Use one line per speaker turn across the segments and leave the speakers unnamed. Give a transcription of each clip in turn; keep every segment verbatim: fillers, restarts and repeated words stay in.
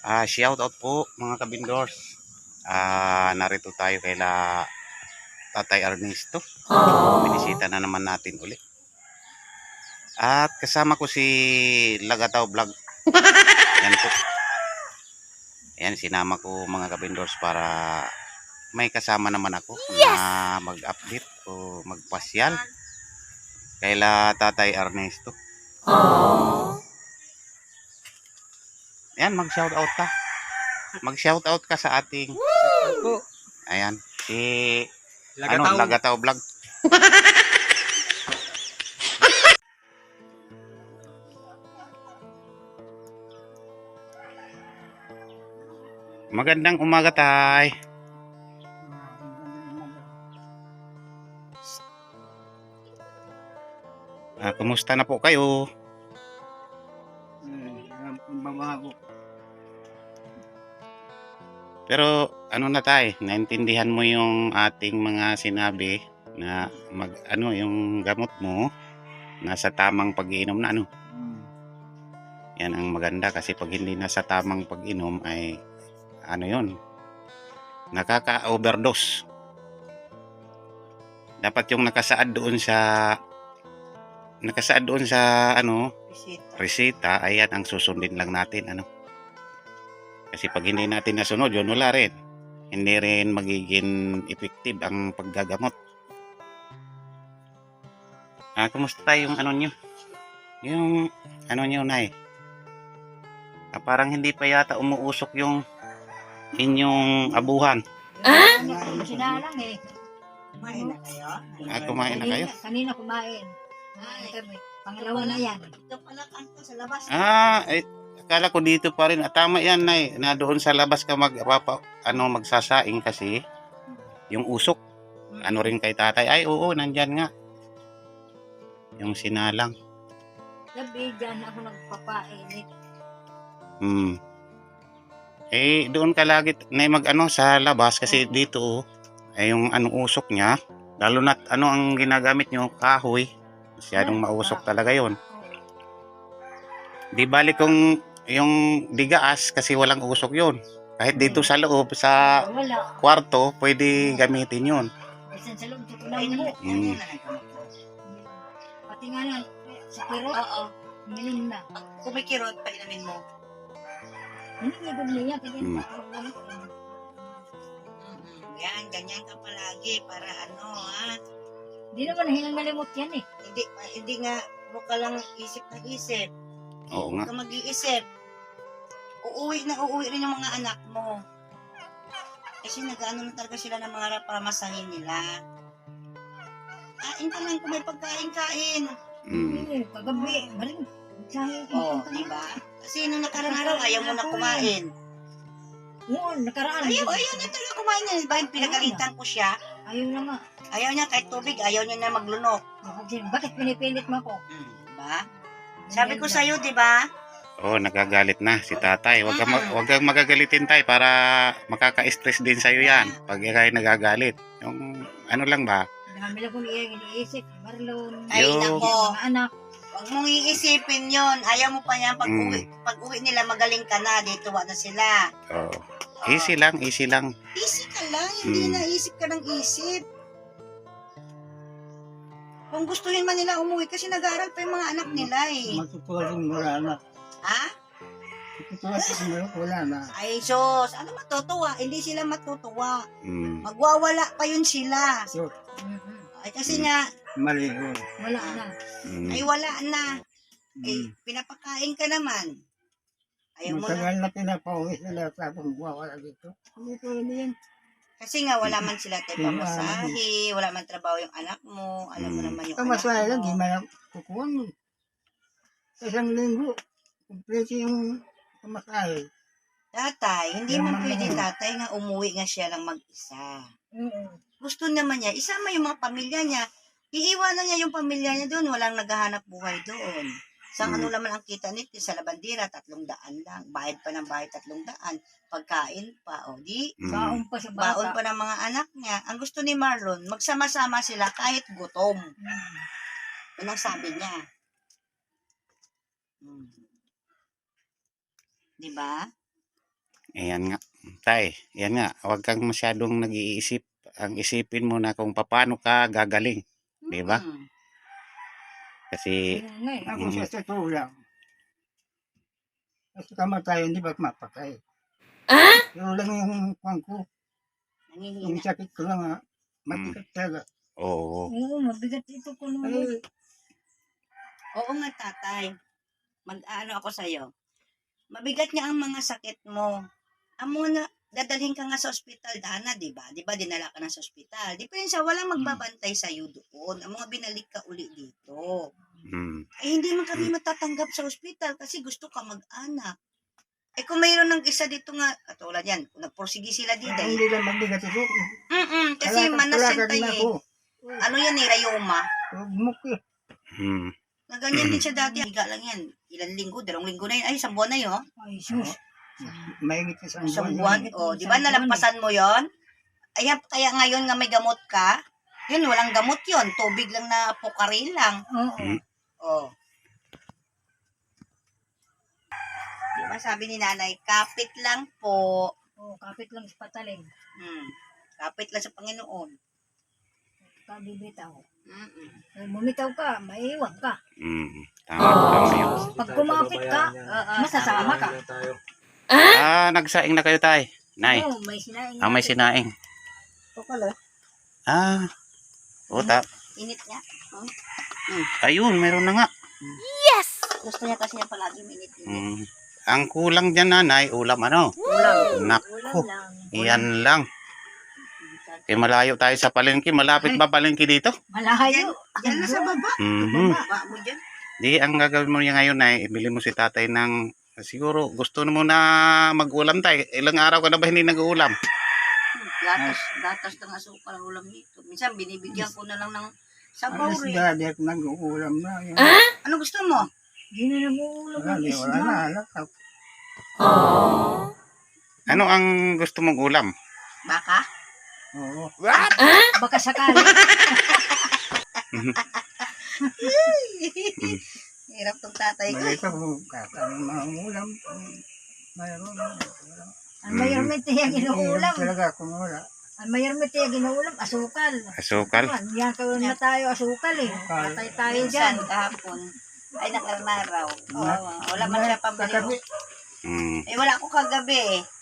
Ah, shout out po mga kabindors. Ah, narito tayo kaila Tatay Ernesto. Binisita na naman natin uli. At kasama ko si Lagataw Vlog. Yan po. Ayan, sinama ko mga kabindors para may kasama naman ako yes! na mag-update o magpasyal kaila Tatay Ernesto. Aww. Ayan, mag-shout out ka. Mag-shout out ka sa ating ayan, si Lagataw. Ano, Lagataw Vlog. Magandang umaga, Tay. Ah, kumusta na po kayo? Pero ano na tay, naintindihan mo yung ating mga sinabi na mag ano yung gamot mo nasa tamang pag-iinom na ano. Yan ang maganda kasi pag hindi nasa tamang pag-inom ay ano yun, nakaka-overdose. Dapat yung nakasaad doon sa nakasaad doon sa ano resita, resita ayan ang susundin lang natin ano. Kasi pag hindi natin nasunod yun, wala rin. Hindi rin magiging effective ang paggagamot. Ah, kumusta yung ano nyo? Yung ano nyo, Nay? Ah, parang hindi pa yata umuusok yung inyong abuhan.
Ah? Sinalang eh.
Kumain na kayo?
Ah, kumain na kayo?
Kanina kumain. Pangalawa na yan.
Ito pala kanto sa labas.
Ah, eh, akala ko dito pa rin. Ah, tama yan, Nay. Na doon sa labas ka mag, papa, ano, magsasaing kasi yung usok. Ano rin kay tatay. Ay, oo, nandyan nga. Yung sinalang.
Gabi, dyan ako nagpapainit.
Hmm. Eh, doon ka lagi na mag ano sa labas kasi dito ay yung ano usok niya. Lalo na ano ang ginagamit nyo, kahoy. Masyadong mausok talaga yon. Di balik kung yung digaas kasi walang usok yon. Kahit dito sa loob, sa kwarto, pwede gamitin yon.
Bisan sa loob, ito lang mo.
Hmm.
Pati nga na, sa kirot, oo, minom na.
Kung may kirot, painamin mo.
Hindi nga doon niya, kaya
Hmm.
Yan, ganyan ka palagi para ano ha.
Hindi naman hinangalimot yan eh.
Hindi, hindi nga mo ka lang isip na isip.
Oo nga.
Huwag ka mag-iisip. Uuwi na uuwi rin yung mga anak mo. Kasi nag-ano na talaga sila ng mga pamasahin nila. Kain ka lang kung may pagkain-kain.
Hmm.
Hindi, kagabi, maling. Sayo,
Oo, oh, diba? Kasi nung nakarang araw, ayaw mo na kumain.
Oo, nakaraan.
Ayaw, ayaw niya talaga kumain niya. Diba, pinagalitan ko siya.
Ayaw na nga.
Ayaw niya kahit tubig, ayaw niya na maglunok.
Bakit pinipilit mo ako?
Hmm, diba? Sabi ko sa'yo, diba?
Oh, nagagalit na si tatay. Huwag kang, wag kang magagalitin tay para makaka-stress din sa'yo yan. Pag kayo nagagalit. Yung ano lang ba?
Dami lang kong iniisip. Marlon.
Ay,
Yo.
nako.
Mga anak.
Huwag mong iisipin yon. Ayaw mo pa yan. Pag,
Mm.
uwi, pag uwi nila, magaling ka na. Dito na sila.
Oh. Easy lang, easy lang.
Easy ka lang. Hindi
Mm.
na isip ka ng isip. Kung gustuhin man nila umuwi, kasi nag-aaral pa yung mga anak nila eh.
Matutuwa rin wala na.
Ha?
Matutuwa rin wala na.
Ay, sos. Ano matutuwa? Hindi sila matutuwa.
Mm.
Magwawala pa yun sila.
So,
Ay, kasi nga,
mali yun.
Wala na.
Mm.
ay wala na. Eh,
Mm.
pinapakain ka naman. Ayaw mo na.
Matagal na pinapauwi sila tapos wawala dito.
Hindi pwede yan.
Kasi nga, wala man sila tayo pamasahe, wala man trabaho yung anak mo, alam mo
Mm.
naman yung
Kamasaya lang,
anak
di
mo.
man kukuha mo. Isang linggo, kumpleto yung pamasahe.
Tatay, hindi
Yan
man
naman
pwede
yun.
tatay nga umuwi nga siya lang mag-isa.
Oo.
Gusto naman niya, isama yung mga pamilya niya. Iiwanan niya yung pamilya niya doon, walang naghahanap buhay doon. Sa
Mm.
ano naman ang kita nito, sa labandira, tatlong daan lang. Bayad pa ng bayad, tatlong daan. Pagkain pa, o di.
Mm.
Baon pa sa
Baon
bata.
pa ng mga anak niya. Ang gusto ni Marlon, magsama-sama sila kahit gutom.
Hmm.
Yun ang sabi niya. Hmm. Di ba?
Ayan nga. Tay, yan nga. Huwag kang masyadong nag-iisip. Ang isipin mo na kung paano ka gagaling. Di ba?
Mm.
Kasi,
Kaya nga eh.
Ako sa totoo lang. Kasi kamatayan, di ba mapatay? Pero lang yung kwan ko, yung
Nangihina.
sakit ko lang ha. Matikat talaga.
oo.
Oo, mabigat ito ko naman.
Ay,
Oo nga, tatay. Mag-ano ako sa'yo. Mabigat nga ang mga sakit mo. Amo na, dadalhin ka nga sa ospital, Dana, di ba? Di ba, dinala ka na sa ospital. Di pa rin siya, walang magbabantay sa'yo doon. Ang mga binalik ka uli dito.
Mm.
Eh, hindi man kami matatanggap sa ospital kasi gusto ka mag-anak. Eh, kung mayroon ng isa dito nga, katulad yan, kung nagporsige sila dito,
ay,
eh.
hindi lang mabigat ito.
Mm-mm, kasi
Kalakad-
manas yan
kalakad
tayo
na
eh.
ako.
Ano yan eh, rayoma.
Tugmok eh.
Mm.
Na ganyan din siya dati. Higa lang yan. Ilan linggo, dalawang linggo na yun. Ay, isang buwan na yun.
Ay, sus.
Mahigit sa isang
Isang
buwan.
buwan. O, di ba nalampasan mo yon? Ayan, kaya ngayon nga may gamot ka, yun, walang gamot yun. Tubig lang na pukaril lang.
Oo.
Mm.
O. Di ba sabi ni nanay, kapit lang po.
Oo, kapit lang sa patalim.
Hmm. Kapit lang sa Panginoon.
Kabibitaw.
Mm-mm.
Pag bumitaw ka, maiiwan ka.
Mm. Tama, tama yun.
Pag kumapit ka, masasama ka.
Ah, nagsaing na kayo, tay. Nay.
Oo, may sinaing.
Ah, may sinaing.
Ito pala.
Ah. O, ta.
Init niya.
Ayun, meron na nga.
Gusto niya kasi niya palagi minit-init.
Mm. Ang kulang dyan, nanay, ulam ano?
Ulam.
Nako,
Ulam lang.
iyan lang. Eh, malayo tayo sa palengke. Malapit ba palengke dito?
Malayo.
Yan na sa baba.
Mhm.
Baba mo dyan.
Di, ang gagawin mo niya ngayon ay ibili mo si tatay ng siguro gusto mo na mag-ulam tayo. Ilang araw ka na ba hindi nag-uulam?
Gatas, gatas ng asukal ang ulam nito. Minsan binibigyan ko na lang ng sabaw
Alas
rin.
dati at nag-uulam na. Yun.
Ano gusto mo?
Di na nag-uulam
Wala,
ng
di, wala
isda.
na. Alakap.
Ano ang gusto mong ulam?
Baka?
Oo.
Baka sakali.
Hirap tong tatay ko.
Malito kung kakain mga ulam. kung Mayroon.
Ang mayroon may tiya ginuulam.
Hirap talaga kung wala.
Ang mayroon may tiya ginuulam, asukal.
Asukal?
Man, yan kayo na tayo asukal eh. Patay tayo dyan.
Minsan kahapon. Ay, nakarnaraw. Oo, wala man siya pambili.
Kagabi.
Mm.
Eh, wala ako kagabi eh.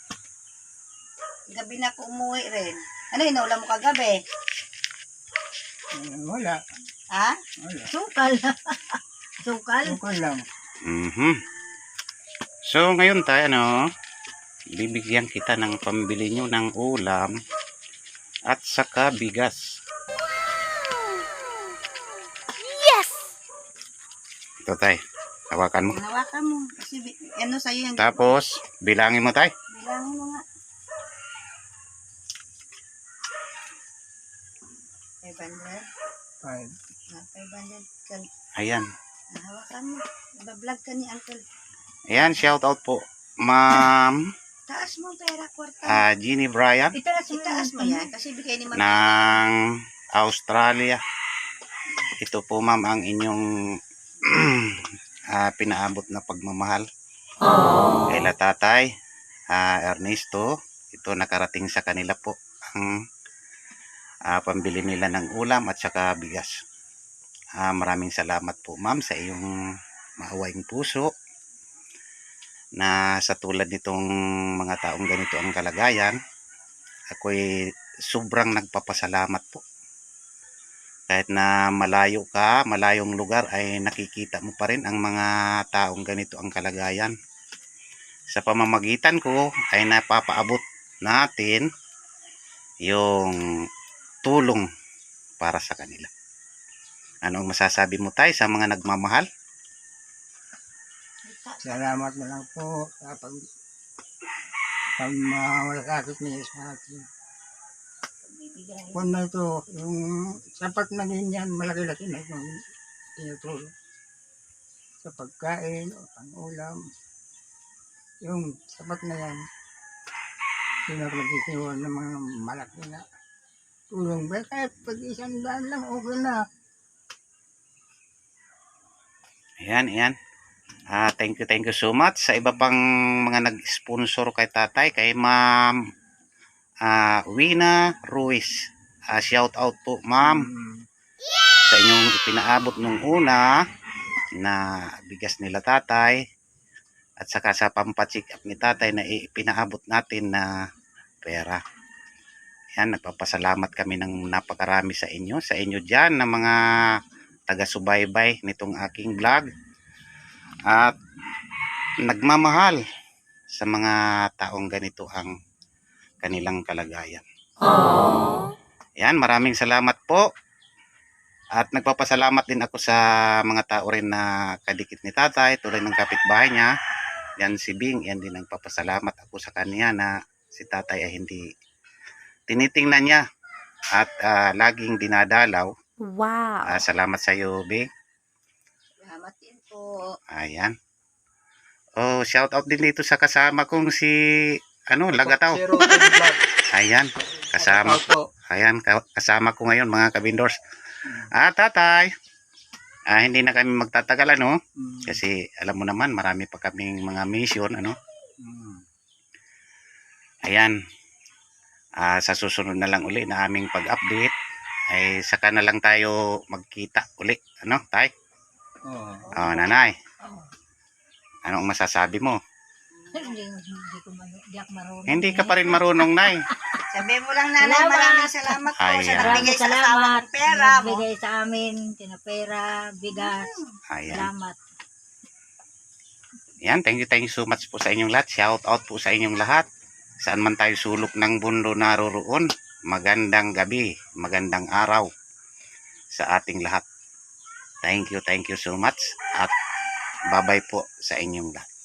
Gabi na ako umuwi rin. Ano, inuulam mo kagabi?
Eh, Wala.
Ha?
Wala.
Asukal. asukal.
Tukol lang.
Mhm. So, ngayon tayo, ano, bibigyan kita ng pambili nyo ng ulam at saka bigas. Ito, tay. Hawakan mo.
Hinawakan mo. Kasi bi- ano sa'yo yung...
Tapos, bilangin mo, tay.
Bilangin mo nga. five hundred.
Five.
Ah, five hundred. Kan-
Ayan.
Nahawakan mo. Iba-vlog ka ni Uncle.
Ayan, shout out po. Ma'am
Taas mo pera, kwarta.
ah, Jeannie Bryan
Itaas mo
Itaas mo yan. Kasi bigay ni Mami.
ng Australia. Ito po, ma'am, ang inyong ah, pinaabot na pagmamahal. Kaila tatay, ah, Ernesto, ito nakarating sa kanila po ang ah, pambili nila ng ulam at saka bigas. Ah, maraming salamat po, ma'am, sa iyong maawaing puso na sa tulad nitong mga taong ganito ang kalagayan, ako'y sobrang nagpapasalamat po. Kahit na malayo ka, malayong lugar, ay nakikita mo pa rin ang mga taong ganito ang kalagayan. Sa pamamagitan ko ay napapaabot natin yung tulong para sa kanila. Ano ang masasabi mo tayo sa mga nagmamahal?
Salamat na lang po sa pag pagmamalasakit niya sa atin. Kung na ito, yung sapat na din yan, malaki-laki na itong tinutulong. Sa pagkain o pang-ulam, yung sapat na yan, pinag-nagtitiwan ng mga malaki na tulong. Ba, kahit pag isang daan lang, okay na.
Ayan, ayan. Ah, thank you, thank you so much sa iba pang mga nag-sponsor kay tatay, kay Ma'am ah, Wina Ruiz. Ah, shout out po, Ma'am,
Mm.
sa inyong ipinaabot nung una na bigas nila tatay at saka sa pampacheck up ni tatay na ipinaabot natin na pera. Yan, nagpapasalamat kami ng napakarami sa inyo, sa inyo dyan na mga taga-subaybay nitong aking vlog at nagmamahal sa mga taong ganito ang kanilang kalagayan. Yan, maraming salamat po. At nagpapasalamat din ako sa mga tao rin na kadikit ni tatay, tulad ng kapitbahay niya. Yan si Bing, yan din nagpapasalamat ako sa kanya na si tatay ay hindi tinitingnan niya at ah, laging dinadalaw.
Wow.
Ah, salamat sa iyo, Bing.
Salamat din po.
Ayan. Oh, shout out din dito sa kasama kong si ano, Lagataw.
Zero to the vlog.
Ayan, kasama
Lagataw po.
Ayan, ka- kasama ko ngayon mga kabindors. Ah, tatay. Ah, hindi na kami magtatagal ano
Mm.
kasi alam mo naman marami pa kaming mga mission ano.
Mm.
Ayan. Ah, sa susunod na lang uli na aming pag-update ay saka na lang tayo magkita uli. Ano, tay?
Oo.
Oh, nanay.
Oo.
Anong masasabi mo?
Hindi, hindi ko man, hindi ako marunong.
Hindi ka pa rin marunong, nay.
Sabi mo lang, nanay,
Salamat.
maraming salamat po
Ayan.
sa
Maraming
nagbigay sa asawa
salamat.
ng pera mo.
Nagbigay sa amin, tinapera, bigas.
Ayan.
Salamat.
Yan, thank you, thank you so much po sa inyong lahat. Shout out po sa inyong lahat. Saan man tayo sulok ng mundo naroroon. Magandang gabi, magandang araw sa ating lahat. Thank you, thank you so much. At bye-bye po sa inyong lahat.